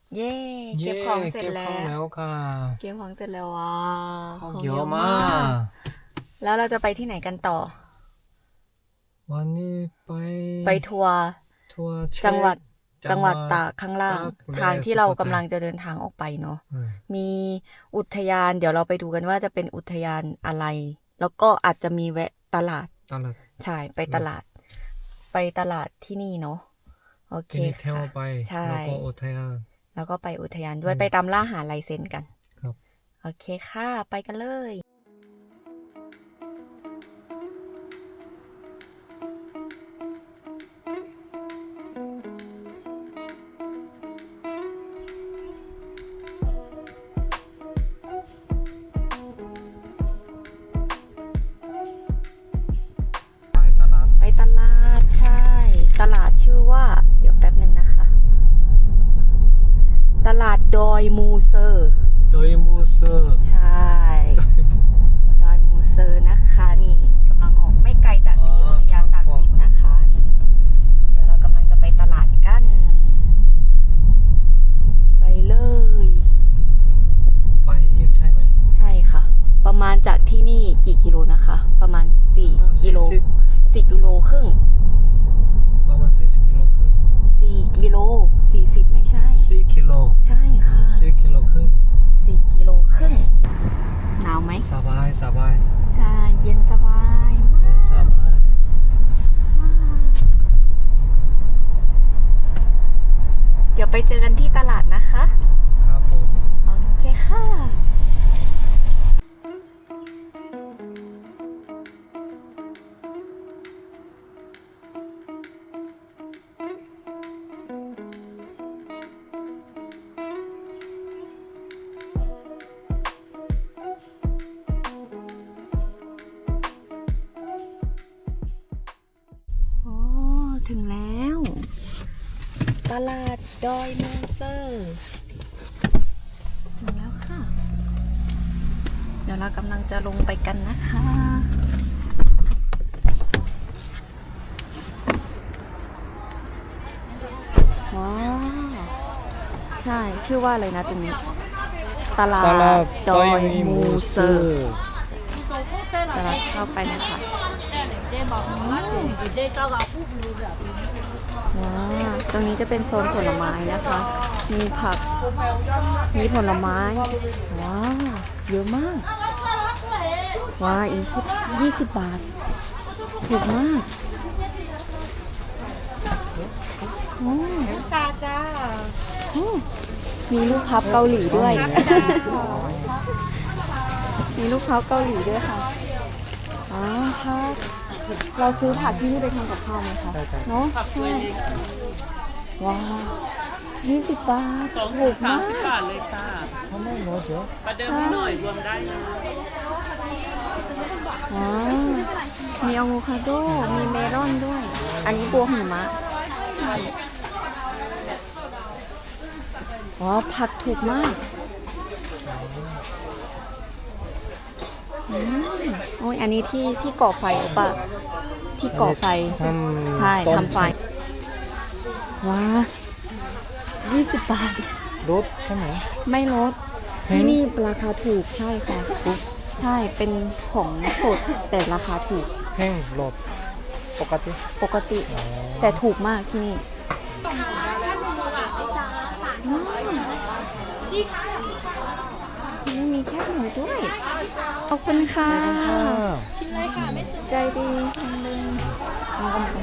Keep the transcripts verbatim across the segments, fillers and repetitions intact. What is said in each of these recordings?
เย่เก็บของเสร็จเก็บแล้ของวแล้วค่ะเก็บของเสร็จแล้วว้าของของเยอะมากแล้วเราจะไปที่ไหนกันต่อวันนี้ไปไปทัวร์ทัวร์เช็คจังหวัดจัจังงหหวัวัดดตากข้างล่างตากและทางที่เราสุโขทักำยลังจะเดินทางออกไปเนาะอืมมีอุทยาน เดี๋ยวเราไปดูกันว่าจะเป็นอุทยานอะไร แล้วก็อาจจะมีแวะตลาดตลาดใช่ไปตลาด ไปตลาดที่นี่เนาะโอเคที่นี่เที่ยวค่ะไปใช่แล้วก็อุทยานแล้วก็ไปอุทยานด้วยอืมไปตามล่าหาลายเซ็นกันครับโอเคค่ะ ไปกันเลยไปตลาดไปตลาดใช่ ตลาดชื่อว่า เดี๋ยวแป๊บหนึ่งนะคะ ตลาดดอยมูเซอร์โดยมูเซอร์ใช่ ดอยมูเซอร์นะคะนี่กำลังออกไม่ไกลจากที่อุทยานตากสินนะคะนี่เดี๋ยวเรากำลังจะไปตลาดกัน ไปเลยไปอีกใช่ไหมใช่ค่ะ ประมาณจากที่นี่กี่กิโลนะคะ ประมาณสี่กิโลสี่สิบสี่กิโลครึ่งประมาณสี่สิบกิโลครึ่งสี่กิโลสี่สิบไม่ใช่สี่กิโลใช่ค่ะสี่กิโลครึ่งสี่กิโลครึ่งหนาวไหมสบายสบายค่ะเย็นสบายมากสบายเดี๋ยวไปเจอกันที่ตลาดนะคะครับผมโอเคค่ะ โอ้ถึงแล้ว ตลาดดอยมูเซอร์ถึงแล้วค่ะ เดี๋ยวเรากำลังจะลงไปกันนะคะ ว้าว ใช่ชื่อว่าอะไรนะตรงนี้ ตลาดตลาดดอยมูเซอร์ตลาดเข้าไปนะคะว้าวตรงนี้จะเป็นโซนผลไม้นะคะ มีผัก มีผลไม้ ว้าว เยอะมาก ว้าวอีกยี่สิบบาท ถูกมากโอ้ซาจ้าโอ้มีลูกพับเกาหลีด้วย มีลูกพับเกาหลีด้วยค่ะอ๋อค่ะเราซื้อผักที่นี่ไปทำกับข้าวไหมคะใช่ครับเนาะใช่ว้าวยี่สิบบาทสองถูถุกงสามมากสิบบาทเลยค่ะทำไมน้อยเชียวประเดิมให้หน่อยรวมได้นะว้าวมีอะโวคาโด มีเมลอนด้วย อันนี้บัวหิมะว้าวผักถูกมากอืมโอ้ยอันนี้ที่ที่ก่อไฟหรือเปล่าที่ก่อไฟทำใช่ต้นทำไฟ ว้ายี่สิบบาทรถใช่ไหมไม่ลดแพงที่นี่ราคาถูกใช่ค่ะ ใช่ เป็นของสดแต่ราคาถูกแห้งรถปกติปกติ แต่ถูกมากที่นี่อืมนี่มีแคบหมูด้วย ขอบคุณค่ะชิ้นเลยค่ะ ไม่ซื้อใจดีจังเลยเอากันไป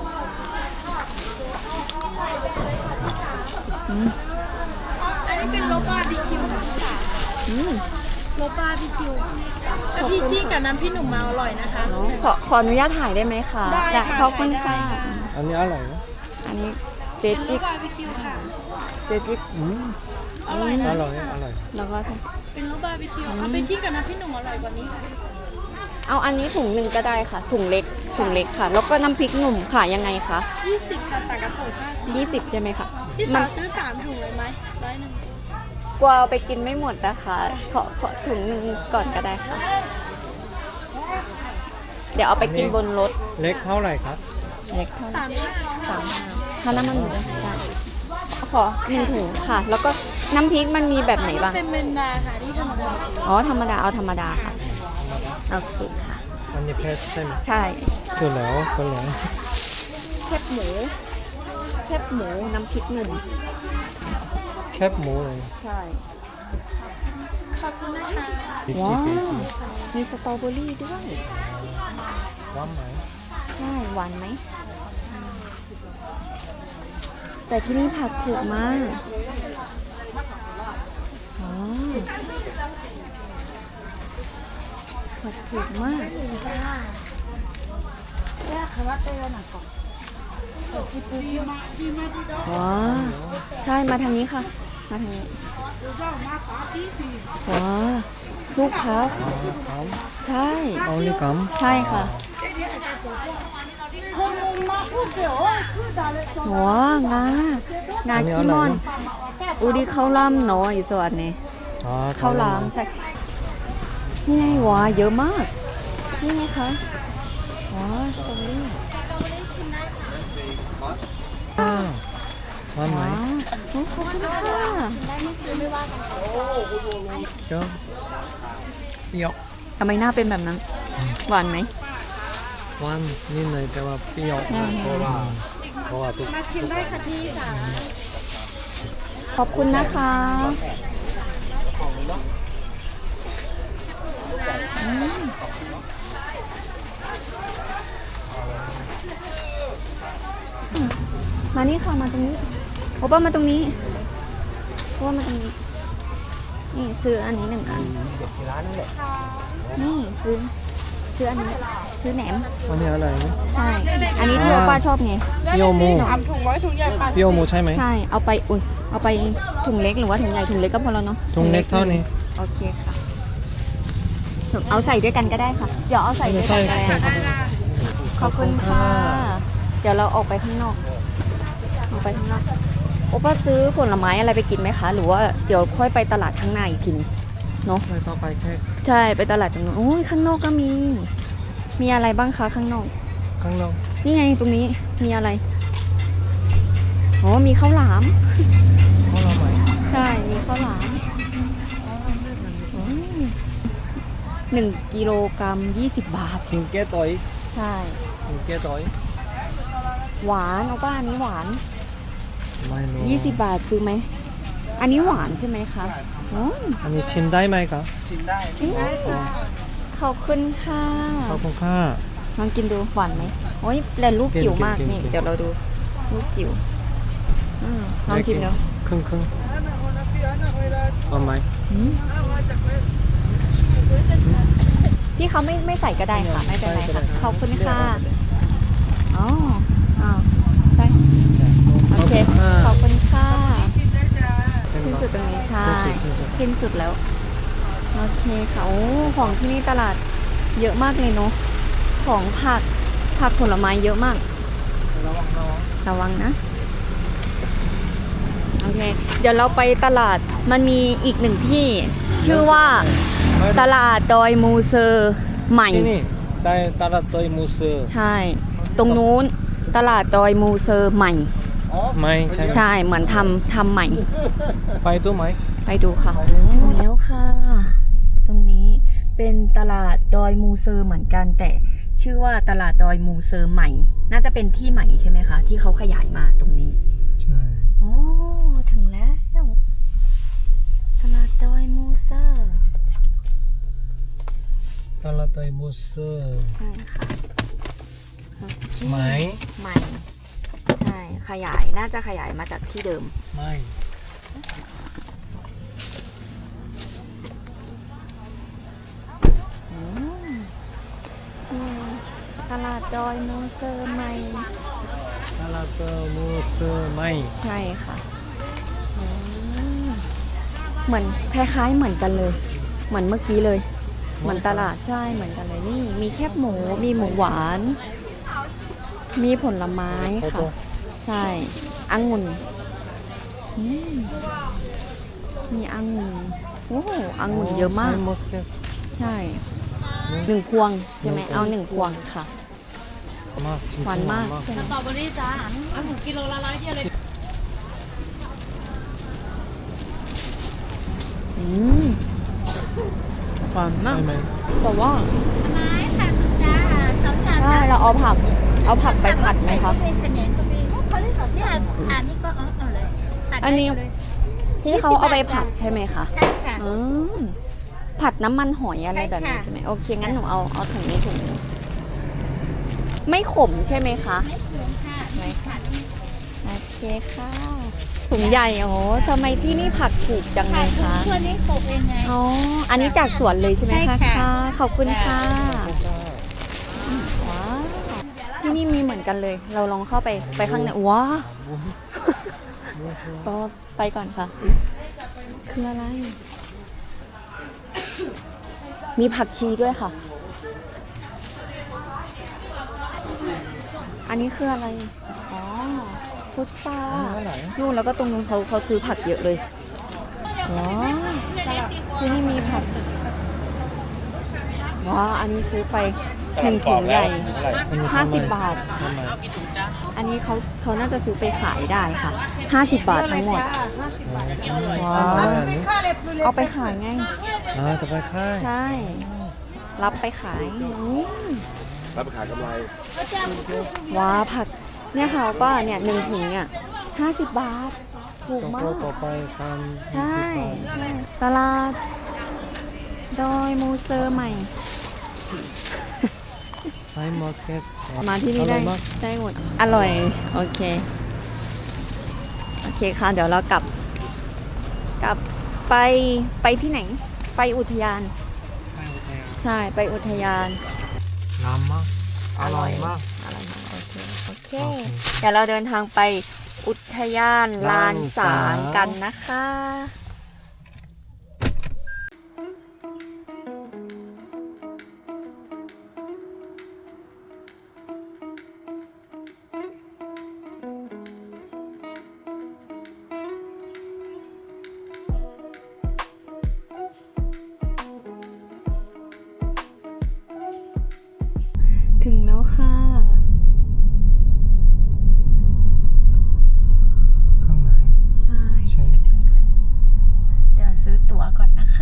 อืมอันนี้เป็นโลบาร์บีคิวค่ะอืมโลบาร์บีคิวแต่พี่จี้กับน้ำพี่หนุ่มมาอร่อยนะคะเนอะขอขออนุญาตถ่ายได้ไหมคะได้ค่ะขอบคุณได้ค่ะค่ะอันนี้อร่อยนะอันนี้เจเป็นโลจิกบาร์บีคิวค่ะเจจิกอืมอร่อยอนะร่อยอร่อยแล้วก็เป็นโลบาร์บีคิวเอาไปจี้กับน้ำพี่หนุ่มอร่อยกว่านี้ค่ะเอาอันนี้ถุงหนึ่งก็ได้ค่ะ ถุงเล็ก ถุงเล็กค่ะ แล้วก็น้ำพริกหนุ่มค่ะยังไงคะยี่สิบค่ะสากระปุกห้าสิบยี่สิบใช่ไหมคะพี่มัสาน วซื้อสามถุงเลยไหมร้อยหนึ่งกลัวเอาไปกินไม่หมดนะคะ ขอขอถุงหนึ่งก่อนก็ได้ค่ะ เดี๋ยวเอาไปกินบนรถเล็กเท่าไหร่ครับเล็กเท่าไหร่สามห้าสามห้าถ้าน้ำมันหมูได้ขอหนึ่งถุงค่ะ แล้วก็น้ำพริกมันมีแบบไหนบ้างเป็นเมนดาค่ะที่ธรรมดาอ๋อ ธรรมดา เอาธรรมดาค่ะโอเคค่ะอันนี้เพชรใช่ไหมใช่เสร็จแล้วเสร็จแล้วแคบหมู แคบหมูน้ำพริกหนุ่มแคบหมูเลยใช่ขอบคุณนะคะดิจิว้าเฟวจิมีสตรอเบอรี่ด้วยว้ามไหมใช่หวานไหม แต่ที่นี่ผักถูกมากอ๋อผักถูกมาก ว้าว ใช่ มาทางนี้ค่ะ มาทางนี้ ว้าว ลูกค้าอ๋อใช่เอาเลยกัมใช่ค่ะ ว้างา งาขี้ม่อน อูดีข้าวล่ำเนาะอีส่วนนี้อ๋อข้าวหลามใช่ นี่ไงว้าเยอะมาก นี่ไงคะว้าสตรอเบอรี่อ่าว้ามไหมว้าโอ้ขอบคุณค่ะเจ้าเปรี้ยวทำไมหน้าเป็นแบบนั้น หวานไหมหวานนิดหน่อยแต่ว่าเปรี้ยวอืมเพราะว่าเพราะว่าทุกมาชิมได้ค่ะพี่ค่ะขอบคุณนะคะอืมมานี่ค่ะ มาตรงนี้โอป้ามาตรงนี้โอป้ามาตรงนี้ นี่ซื้ออันนี้หนึ่งอัน นี่ซื้อซื้ออันนี้ซื้อแหนมอันนี้อะไรนะใช่ อันนี้ที่โอป้าชอบไงเปรี้ยวหมูทำถุงไว้ถุงใหญ่ปันเปรี้ยวหมูใช่ไหมใช่ เอาไป อุ้ย เอาไปถุงเล็กหรือว่าถุงใหญ่ ถุงเล็กก็พอแล้วเนาะถุงเล็กเท่านี้โอเคค่ะถุงเอาใส่ด้วยกันก็ได้ค่ะ เดี๋ยวเอาใส่ด้วยกันก็ได้ใส่ค่ะขอบคุณค่ะ เดี๋ยวเราออกไปข้างนอก ออกไปข้างนอก โอป้าซื้อผลไม้อะไรไปกินไหมคะ หรือว่าเดี๋ยวค่อยไปตลาดข้างหน้าอีกทีนึงเนาะไม่ต้องไปแค่ใช่ ไปตลาดตรงนู้นโอ้ยข้างนอกก็มี มีอะไรบ้างคะข้างนอกข้างนอกนี่ไงตรงนี้ มีอะไร อ๋อ มีข้าวหลามข้าวหลามไหมใช่ มีข้าวหลามอืมหนึ่งกิโลกรัมยี่สิบบาทกินแก้ต่อยใช่กินแก้ต่อยหวานเอาป้าอันนี้หวานไม่รู้ยี่สิบบาทซื้อไหม อันนี้หวานใช่ไหมคะอืมอันนี้ชิมได้ไหมครับขอบคุณค่ะขอบคุณค่ะลองกินดูหวานไหมโอ้ยแต่ลูกจิ๋วมากกินกินนี่กินเดี๋ยวเราดู ลูกจิ๋วอืมลองชิมดูครึ่งครึ่งเอาไหมอืมพี่เขาไม่ไม่ใส่ก็ได้ค่ะ ไม่เป็นไรค่ะ ขอบคุณค่ะอ๋ออ้าวได้ โอเค ขอบคุณค่ะ ขึ้นสุดตรงนี้ใช่ขึ้นสุดแล้ว โอเคค่ะโอ้ของที่นี่ตลาดเยอะมากเลยเนาะ ของผัก ผักผลไม้เยอะมากระวังระวังระวังนะ โอเค เดี๋ยวเราไปตลาด มันมีอีกหนึ่งที่ ชื่อว่าตลาดดอยมูเซอร์ใหม่ที่นี่ได้ตลาดตัวมูเซอร์ใช่ ตรงนู้นตลาดดอยมูเซอร์ใหม่ไม่ใช่ไหมใช่ เหมือนทำทำใหม่ไปตัวไหมไปดูค่ะ ถึงแล้วค่ะ ตรงนี้เป็นตลาดดอยมูเซอร์เหมือนกัน แต่ชื่อว่าตลาดดอยมูเซอร์ใหม่ น่าจะเป็นที่ใหม่ใช่ไหมคะ ที่เขาขยายมาตรงนี้ใช่โอ้ถึงแล้วตลาดดอยมูเซอร์ตลาดตัวมูเซอร์ใช่ค่ะโอเคไหมใหม่ใช่ขยายน่าจะขยายมาจากที่เดิมไม่อืมนี่ตลาดดอยมูเซอร์ใหม่ตลาดตัวมูเซอร์ไม่ใช่ค่ะอืมเหมือนคล้ายๆเหมือนกันเลย เหมือนเมื่อกี้เลย เหมือนตลาดใช่เหมือนกันเลยนี่ มีแคบหมู มีหมูหวาน มีผลไม้โอ้โหค่ะ ใช่องุ่นอืมมีองุ่นโอ้องุ่นเยอะมากใช่มอสเกตใช่หนึ่งพวงใช่ไหมเอาหนึ่งพวงค่ะมากจริงๆหวานมากหวใช่ไหมสตรอเบอรี่จ้าอันถุงกิโลละร้อยเดียวเลยฟันได้ไหมแต่ว่าไม้ค่ะสุจ้าสองจานใช่เราเอาผัก เอาผักไปผัดไหมคะก็มีเสน่ห์ก็มีเขาเรียกแบบเนี่ยอันนี้ก็เอาเอาเลยผัดได้อันนี้เลยที่เขาเอาไปผัดใช่ไหมคะใช่ค่ะอืมผัดน้ำมันหอยอะไรแบบนี้ใช่ค่ะใช่ไหมโอเคงั้นหนูเอาเอาถุงนี้ถุงนี้ไม่ขมใช่ไหมคะไม่เคืองค่ะไม่ผัดโอเคค่ะถุงใหญ่โอ้โหทำไมที่นี่ผักถูกจังเลผัดยทุกคะช่วงนี้ปลูกเองไงอ๋ออันนี้จากสวนเลยใช่ไหมใช่คะค่ะขอบคุณค่ะว้าวที่นี่มีเหมือนกันเลย เราลองเข้าไปไปข้างในว้าวก็ไปก่อนค่ะ คืออะไร มีผักชีด้วยค่ะ อันนี้คืออะไร อ๋อพุทรานู่นแล้วก็ตรงนู้นเขาเขาซื้อผักเยอะเลยว้าวที่นี่มีผักว้าวอันนี้ซื้อไปหนึ่งถุงใหญ่ห้าสิบบาททำไมอันนี้เขาเขาน่าจะซื้อไปขายได้ค่ะห้าสิบบาททั้งหมดว้าวเอาไปขายไงอ่าจะไปค่ายใช่ รับไปขายอืมรับไปขายกำไรว้าผักเนี่ยค่ะป้าเนี่ยหนึ่งถุงเนี่ยห้าสิบบาท ถูกต่อมาไปกต่อไปทำยี่ใช่สิบบาทใช่ตลาด ดอยมูเซอร์ใหม่ไซมาร์เก็ตมาที่นี่ได้อร่อยมากได้หมด อร่อย โอเค โอเคค่ะ เดี๋ยวเรากลับ กลับไปไปที่ไหน ไปอุทยาน ใช่ ไปอุทยานน้ำมากอร่อยมากอร่อยมาก โอเค โอเคโอเคเดี๋ยวเราเดินทางไปอุทยานลานสาลานงสางกันนะคะ ถึงแล้วค่ะข้างในใช่ใช่ถึงแล้วเดี๋ยวซื้อตั๋วก่อนนะคะ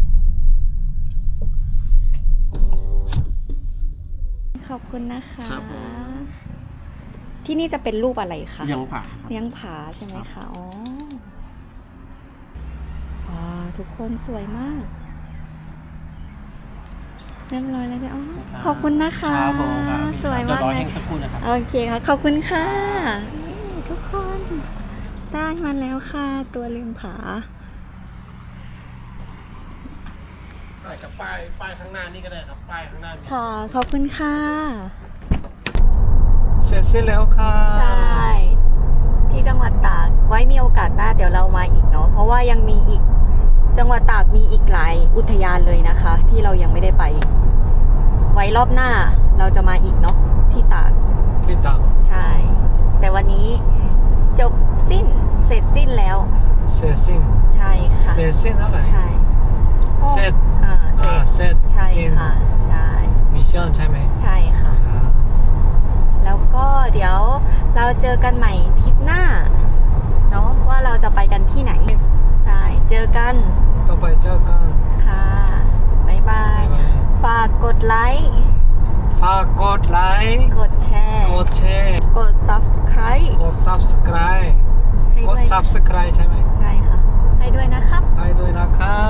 ขอบคุณนะคะครับผมที่นี่จะเป็นรูปอะไรคะยังผ่าครับเลี้ยงผาใช่ไหมคะ อ๋อ ว้าว ทุกคนสวยมาก เรียบร้อยแล้วจ้ะอ๋อขอบคุณนะคะครับผมครับสวยมากเดี๋ยวรอเลแห้ยงสักครู่นะครับโอเคค่ะ ขอบคุณค่ะนี่ทุกคนได้มาแล้วค่ะ ตัวเลี้ยงผากับป้ายป้ายข้างหน้านี่ก็ได้ครับ ป้ายข้างหน้าค่ะ ขอบคุณค่ะเสร็จสิ้นแล้วค่ะใช่ ที่จังหวัดตาก ไว้มีโอกาสหน้าเดี๋ยวเรามาอีกเนาะ เพราะว่ายังมีอีก จังหวัดตากมีอีกหลายอุทยานเลยนะคะ ที่เรายังไม่ได้ไป ไว้รอบหน้าเราจะมาอีกเนาะที่ตากที่ต่างใช่ แต่วันนี้จบสิ้น เสร็จสิ้นแล้วเสร็จสิ้นใช่ค่ะเสร็จสิ้นอะไรใช่เสร็จอ่าเสร็อ่าจเสร็จใช่สิ้นค่ะ ใช่มิชชั่นใช่ไหมใช่ค่ะ แล้วก็เดี๋ยวเราเจอกันใหม่ทริปหน้า เนาะว่าเราจะไปกันที่ไหน ใช่ เจอกันต่อไปเจอกันค่ะ บ๊ายบายบ๊ายบายฝากกดไลค์ฝากกดไลค์กดแชร์กดแชร์กด subscribe กด subscribe ให้กดด้วย subscribe ใช่ไหมใช่ค่ะ ให้ด้วยนะครับให้ด้วยนะครับ